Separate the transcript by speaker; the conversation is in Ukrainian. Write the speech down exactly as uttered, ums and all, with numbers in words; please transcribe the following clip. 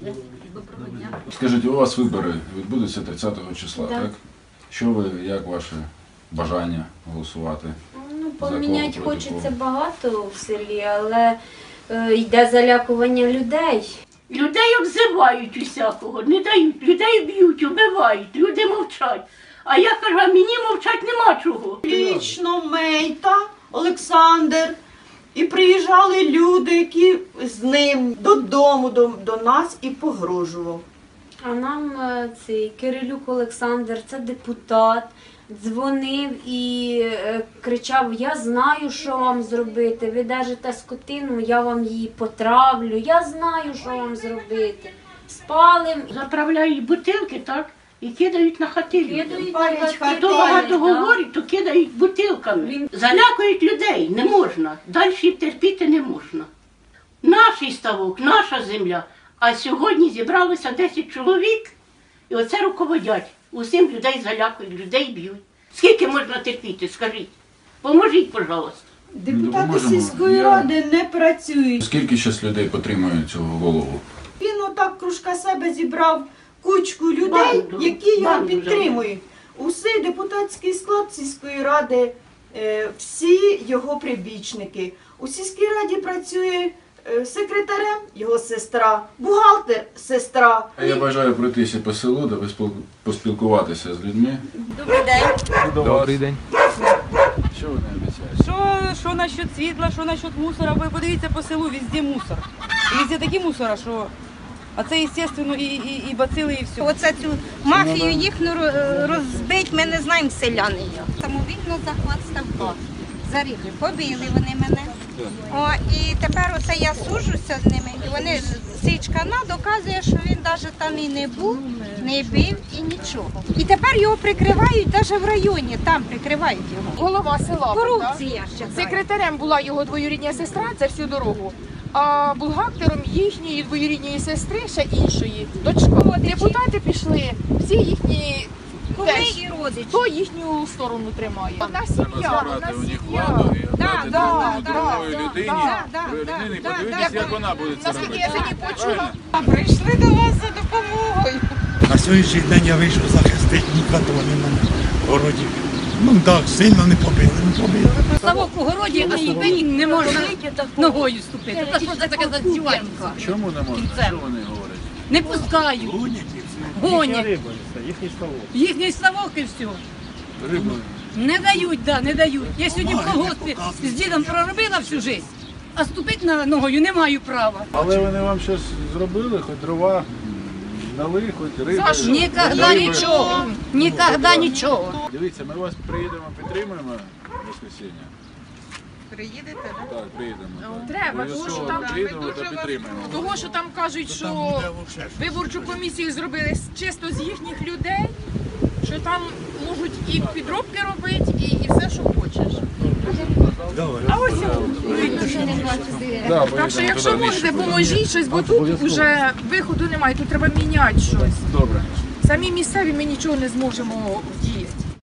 Speaker 1: Доброго дня.
Speaker 2: Скажіть, у вас вибори відбудуться тридцятого числа,
Speaker 1: Да.
Speaker 2: так? Що ви, як ваше бажання голосувати?
Speaker 1: Ну,
Speaker 2: За кого,
Speaker 1: поміняти
Speaker 2: проти
Speaker 1: хочеться
Speaker 2: кого?
Speaker 1: багато в селі, але е, йде залякування людей.
Speaker 3: Людей обзивають усякого, не дають, людей б'ють, убивають, люди мовчать. А я кажу, а мені мовчать нема чого.
Speaker 4: Лічно Мейта, Олександр. І приїжджали люди, які з ним додому до, до нас і погрожував.
Speaker 1: А нам е, цей Кирилюк Олександр, це депутат, дзвонив і е, кричав: я знаю, що вам зробити, ви держите скотину, я вам її потравлю, я знаю, що вам зробити. Спалим,
Speaker 3: Заправляють бутилки, так, і кидають на хати.
Speaker 1: кидають
Speaker 4: Палять
Speaker 1: на
Speaker 4: хати.
Speaker 1: хати,
Speaker 3: Хто багато
Speaker 1: да.
Speaker 3: говорить, то кидають бутилками.
Speaker 1: Він-
Speaker 3: Залякують людей, не можна. Далі терпіти не можна. Наш ставок, наша земля. А сьогодні зібралося десять чоловік, і оце руководять. Усім людей залякують, людей б'ють. Скільки можна терпіти, скажіть? Поможіть, пожалуйста.
Speaker 4: Депутати
Speaker 2: допоможемо.
Speaker 4: сільської
Speaker 2: Я-
Speaker 4: ради не працюють.
Speaker 2: Скільки зараз людей підтримує цього голову?
Speaker 4: Він отак кружка себе зібрав кучку людей,
Speaker 3: Банду,
Speaker 4: які його
Speaker 3: банду
Speaker 4: підтримують. Усий депутатський склад сільської ради, е, всі його прибічники. У сільській раді працює е, секретарем його сестра, бухгалтер сестра.
Speaker 2: А я бажаю пройтися по селу, де ви спіл- поспілкуватися з людьми.
Speaker 1: Добрий день.
Speaker 2: Добрий день. Що ви не обіцяєте?
Speaker 5: Що, що насчет світла, що насчет мусора, ви подивіться по селу, везде мусор. І везде такі мусора, що... А це, звісно, і, і, і бацили, і все.
Speaker 6: Оце цю мафію їхню ро- розбить, ми не знаємо селяни. Самовільно захват ставка. Заріжли, побили вони мене. О, і тепер оце я сужуся з ними. І вони, Січкана доказує, що він навіть там і не був, не бив і нічого. І тепер його прикривають навіть в районі, там прикривають його.
Speaker 7: Голова села.
Speaker 6: Корупція ще.
Speaker 7: Секретарем була його двоюрідня сестра, це всю дорогу. А бухгалтером їхньої двоюрідньої сестри, ще іншої, дочка. Депутати пішли, всі їхні
Speaker 6: Куми
Speaker 7: теж,
Speaker 6: і родичі.
Speaker 7: хто їхню сторону тримає. Одна
Speaker 2: Треба
Speaker 7: сім'я, одна
Speaker 2: забрати у них
Speaker 7: сім'я.
Speaker 2: владу і
Speaker 6: Да,
Speaker 2: віддати
Speaker 6: да,
Speaker 2: другому-
Speaker 7: да,
Speaker 2: другої
Speaker 7: да,
Speaker 2: людині.
Speaker 6: да, да,
Speaker 2: Другої
Speaker 6: да,
Speaker 2: людині,
Speaker 6: да,
Speaker 2: подивитися,
Speaker 6: да.
Speaker 2: як вона буде це
Speaker 7: Наскільки
Speaker 2: робити.
Speaker 7: я сьогодні почула,
Speaker 2: Правильно?
Speaker 5: Прийшли до вас за допомогою.
Speaker 8: На сьогоднішній день я вийшов захистити нікого не мене в городі. Ну так, сильно не побили, не побили.
Speaker 9: Ставок у городі, а ступені не можна ногою ступити. Та що це таке за здівательство?
Speaker 2: Чому не можна? Що вони говорять?
Speaker 9: Не пускають,
Speaker 8: Гонять і все.
Speaker 9: гонять. Їхній ставок і все.
Speaker 2: Рибу.
Speaker 9: Не дають, да, не дають. Я сьогодні в
Speaker 8: Бумаги не
Speaker 9: колгоспі
Speaker 8: показують.
Speaker 9: з дідом проробила всю життя, а ступити на ногою не маю права.
Speaker 2: Але вони вам щось зробили, хоч дрова дали, хоч риби.
Speaker 9: Ніколи
Speaker 2: риби.
Speaker 9: нічого, ніколи нічого.
Speaker 2: Дивіться, ми вас приїдемо, підтримуємо в воскресіння.
Speaker 6: Приїдете,
Speaker 2: Так, приїдемо. так.
Speaker 7: треба, тому що
Speaker 2: Обов'язково
Speaker 7: там
Speaker 2: приїдемо та підтримаємо.
Speaker 7: того, що там кажуть,
Speaker 8: Там
Speaker 7: що
Speaker 8: буде вовше.
Speaker 7: виборчу комісію зробили з- чисто з їхніх людей, що там можуть і підробки робити, і, і все, що хочеш.
Speaker 8: Добре.
Speaker 7: А ось
Speaker 2: Да,
Speaker 7: так що,
Speaker 2: поїдемо
Speaker 7: якщо
Speaker 2: туди,
Speaker 7: можете,
Speaker 2: нижче.
Speaker 7: поможіть щось, бо тут вже виходу немає, тут треба міняти щось.
Speaker 2: Добре.
Speaker 7: Самі місцеві ми нічого не зможемо вдіяти.